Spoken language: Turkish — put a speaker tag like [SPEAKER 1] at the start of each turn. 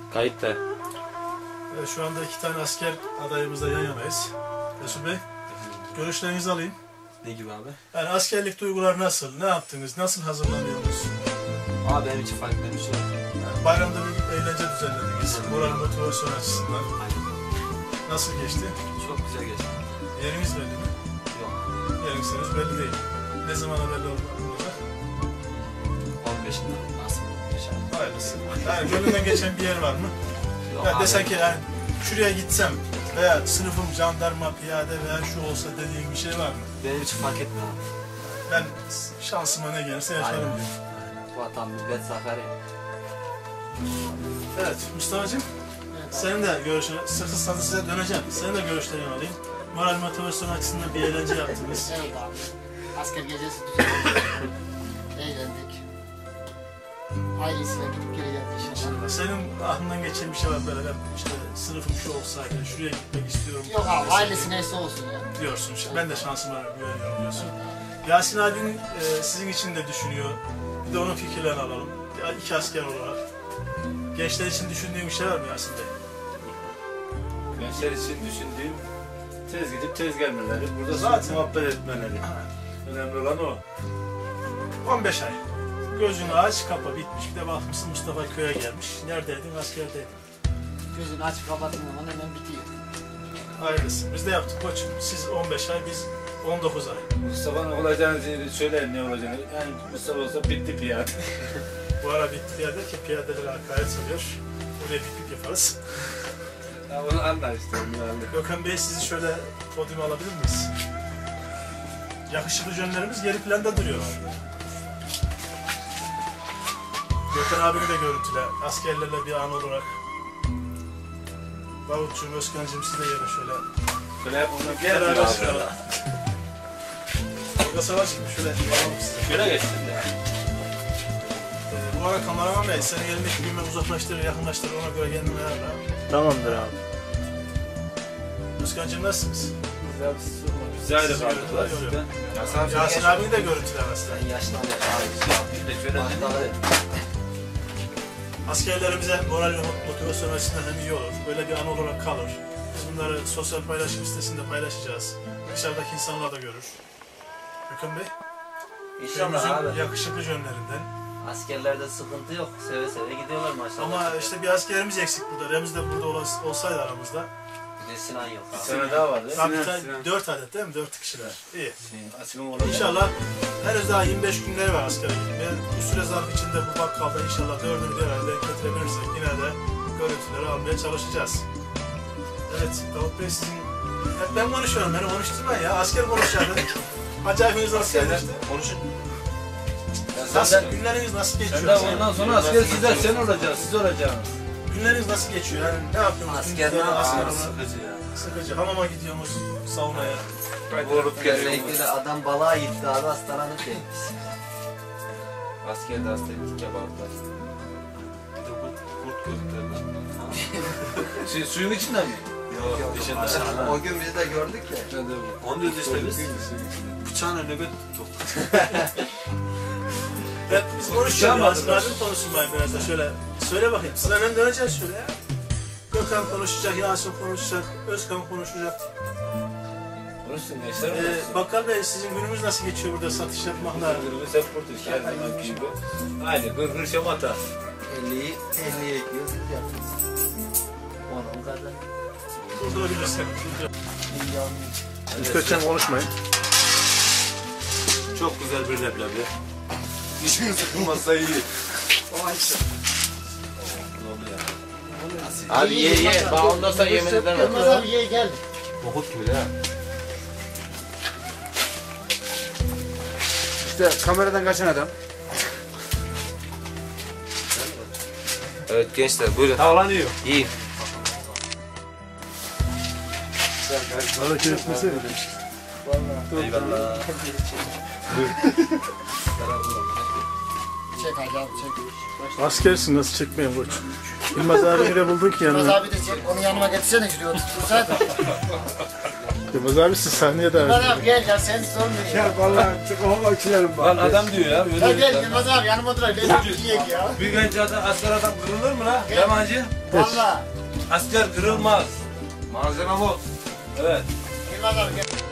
[SPEAKER 1] Kayıtta.
[SPEAKER 2] Şu anda 2 tane asker adayımızla yan yanayız. Resul Bey, görüşlerinizi alayım.
[SPEAKER 1] Ne gibi abi?
[SPEAKER 2] Yani askerlik duyguları nasıl? Ne yaptınız? Nasıl hazırlanıyorsunuz?
[SPEAKER 1] Abi benim için farklı bir şey yok.
[SPEAKER 2] Yani bayramda bir eğlence düzenlediniz. Moral motivasyon açısından.
[SPEAKER 1] Aynen.
[SPEAKER 2] Nasıl geçti?
[SPEAKER 1] Çok güzel geçti.
[SPEAKER 2] Yeriniz belli mi?
[SPEAKER 1] Yok.
[SPEAKER 2] Yeriniz belli değil. Ne zamana belli olacak?
[SPEAKER 1] 15'inde nasıl 15 abi?
[SPEAKER 2] Hayırlısı. Yani gönlünden geçen bir yer var mı?
[SPEAKER 1] Yok
[SPEAKER 2] Ya
[SPEAKER 1] abi.
[SPEAKER 2] desen ki yani şuraya gitsem veya sınıfım jandarma, piyade veya şu olsa dediğin bir şey var mı?
[SPEAKER 1] Benim için fark etmiyor abi.
[SPEAKER 2] Ben şansıma ne gelirse yaşarım
[SPEAKER 1] Aynen.
[SPEAKER 2] diyor.
[SPEAKER 1] Aynen. Vatan, millet, zaferi.
[SPEAKER 2] Evet Mustafa'cığım, senin de görüşün, sıkı size döneceğim. Senin de görüşlerini alayım. Moral motivasyon açısından bir eğlence yaptınız.
[SPEAKER 3] Evet abi. Asker gecesi düzenledik. Eğlendik. Ailesiyle gidip geri geldik inşallah.
[SPEAKER 2] Senin aklından geçen bir şey var böyle, ben işte sınıfım şu olsaydı, şuraya gitmek istiyorum.
[SPEAKER 3] Yok abi, ailesi neyse olsun ya.
[SPEAKER 2] Diyorsun, ben de şansıma güveniyorum diyorsun. Yasin abin sizin için de düşünüyor. Bir de onun fikirlerini alalım. Ya, 2 asker olarak. Gençler için düşündüğün bir şey var mı Yasin Bey?
[SPEAKER 4] Gençler için düşündüğüm tez gidip tez gelmeleri, burada
[SPEAKER 2] Zaten.
[SPEAKER 4] muhabbet etmeleri. Önemli olan o.
[SPEAKER 2] 15 ay. Gözünü aç, kapa, bitmiş. Bir de bakmışsın Mustafa köye gelmiş. Neredeydin? Askerdeydin.
[SPEAKER 3] Gözünü açıp kapattığın zaman hemen bitiyor.
[SPEAKER 2] Hayırlısı. Biz de yaptık koçum. Siz 15 ay, biz 19 ay.
[SPEAKER 4] Mustafa'nın olacağını söyler ne olacağını. Yani Mustafa olsa bitti piyade.
[SPEAKER 2] Bu ara bitti piyade ki piyadeler hakaret alıyor. Oraya bip yaparız.
[SPEAKER 4] Ya onu anlar işte. Onu
[SPEAKER 2] Gökhan Bey, sizi şöyle podyuma alabilir miyiz? Yakışıklı jönlerimiz geri planda duruyor. Gökhan abini de görüntüle, askerlerle bir an olarak. Davutcuğum, Özkan'cığım siz de gelin şöyle.
[SPEAKER 4] Böyle hep onu
[SPEAKER 2] Beraber
[SPEAKER 4] gel.
[SPEAKER 2] şöyle. Tolga Savaş'ım şöyle alalım sizi.
[SPEAKER 4] Şöyle geçsin de.
[SPEAKER 2] Bu ara kameraman Bey, senin elindeki büyüme uzaklaştırır, yakınlaştırır, ona göre kendini ayarla.
[SPEAKER 5] Tamamdır abi.
[SPEAKER 2] Özkan'cığım nasılsınız?
[SPEAKER 4] Bize ayrı
[SPEAKER 2] Sizi
[SPEAKER 4] kaldılar
[SPEAKER 2] görüntüler
[SPEAKER 4] sizden.
[SPEAKER 2] Yasin abini de görüntüler aslında.
[SPEAKER 1] Ben yaşlandım abi.
[SPEAKER 4] Bir de şöyle dedi.
[SPEAKER 2] Askerlerimize moral ve motivasyon açısından hem iyi olur, böyle bir an olarak kalır. Biz bunları sosyal paylaşım sitesinde paylaşacağız. Dışarıdaki insanlar da görür. Gökhan Bey,
[SPEAKER 1] İnşallah
[SPEAKER 2] köyümüzün
[SPEAKER 1] abi.
[SPEAKER 2] yakışıklı jönlerinden.
[SPEAKER 1] Askerlerde sıkıntı yok. Seve seve gidiyorlar maşallah.
[SPEAKER 2] Ama işte bir askerimiz eksik burada. Remzi de burada olsaydı aramızda.
[SPEAKER 1] Bir de Sinan yok
[SPEAKER 4] Bir
[SPEAKER 1] abi.
[SPEAKER 4] sene daha vardı.
[SPEAKER 2] Tabii 4 adet değil mi? 4 kişiler. İyi.
[SPEAKER 4] Asim'in olacak.
[SPEAKER 2] İnşallah henüz daha 25 günleri var askere gitmeye. Bu süre zarfı içinde bu bakkalda inşallah 4'ünü bir araya denk getirebilirsek yine de görüntüleri almaya çalışacağız. Evet, Davut Bey sizin... Hep ben konuşuyorum, beni konuşturmayın ya. Asker konuşuyordu. Acayipiniz asker işte.
[SPEAKER 4] Konuşun.
[SPEAKER 2] Nasıl, günleriniz nasıl geçiyor?
[SPEAKER 4] Sen de ondan sonra asker sizler sen olacaksın, siz olacaksın.
[SPEAKER 2] Günleriniz nasıl geçiyor? Yani ne yapıyorsunuz?
[SPEAKER 1] Asker
[SPEAKER 2] Gündüzleri,
[SPEAKER 1] ne
[SPEAKER 2] asker
[SPEAKER 1] yapıyor?
[SPEAKER 2] olarak?
[SPEAKER 4] Sıkıcı ya.
[SPEAKER 2] Sıkıcı. Hamama gidiyorsunuz, saunaya.
[SPEAKER 4] Vurup
[SPEAKER 1] Özellikle de adam balığa gitti abi hastalanıp gelmiş.
[SPEAKER 4] Askerde hastaydık kebaplar. Bir de kurt gözükler lan. Suyun içinde mi? Yok, dışında.
[SPEAKER 1] O gün biz de gördük ya.
[SPEAKER 4] Onu diyoruz işte biz. Bıçağına nöbet tuttuk.
[SPEAKER 2] Evet, biz konuşuyoruz. Yasin abim konuşsun bari biraz da şöyle. Söyle bakayım, sırayla döneceğiz şöyle ya. Gökhan konuşacak, Yasin konuşacak, Özkan konuşacak.
[SPEAKER 4] Konuşsun gençler.
[SPEAKER 2] Bakkal Bey, sizin günümüz nasıl geçiyor burada satış yapmakla?
[SPEAKER 4] Biz hep buradayız her zaman gibi. Aynı gırgır şamata.
[SPEAKER 1] 50'ye ekliyoruz biz yapıyoruz. Onun kadar.
[SPEAKER 2] Durdurabilirsin.
[SPEAKER 5] Kötüden konuşmayın.
[SPEAKER 4] Çok güzel bir leblebi. Dişin sıkılmazsa iyi.
[SPEAKER 5] Abi ye. Bak ondan sonra yemin edemem.
[SPEAKER 3] Yılmaz abi ye gel.
[SPEAKER 5] Nohut gibi ha. İşte kameradan kaçan adam.
[SPEAKER 1] Evet gençler buyurun.
[SPEAKER 4] Tavlanıyor.
[SPEAKER 1] İyi.
[SPEAKER 2] Hareket etmesene.
[SPEAKER 1] Eyvallah.
[SPEAKER 3] Çek hadi abi çek.
[SPEAKER 2] Askersin, nasıl çekmeyin koç. Yılmaz abi bile buldun ki
[SPEAKER 3] Yılmaz
[SPEAKER 2] yanına.
[SPEAKER 3] abi de çek. Onu yanıma getirsene şuraya oturtursaydı.
[SPEAKER 2] Yılmaz abi siz sahneye davet
[SPEAKER 3] Yılmaz
[SPEAKER 2] edin.
[SPEAKER 3] abi gel ya sen sormuyor.
[SPEAKER 5] Ya vallahi çıkamam içilerim
[SPEAKER 4] Lan adam diyor ya.
[SPEAKER 3] Ya
[SPEAKER 4] Öyle
[SPEAKER 3] gel Yılmaz abi yanıma dur. Gel bir yiyek ya.
[SPEAKER 4] bir genç adam, asker adam kırılır mı lan? Yabancı.
[SPEAKER 3] Valla.
[SPEAKER 4] Asker kırılmaz. Malzeme bu. Evet.
[SPEAKER 3] Yılmaz abi gel.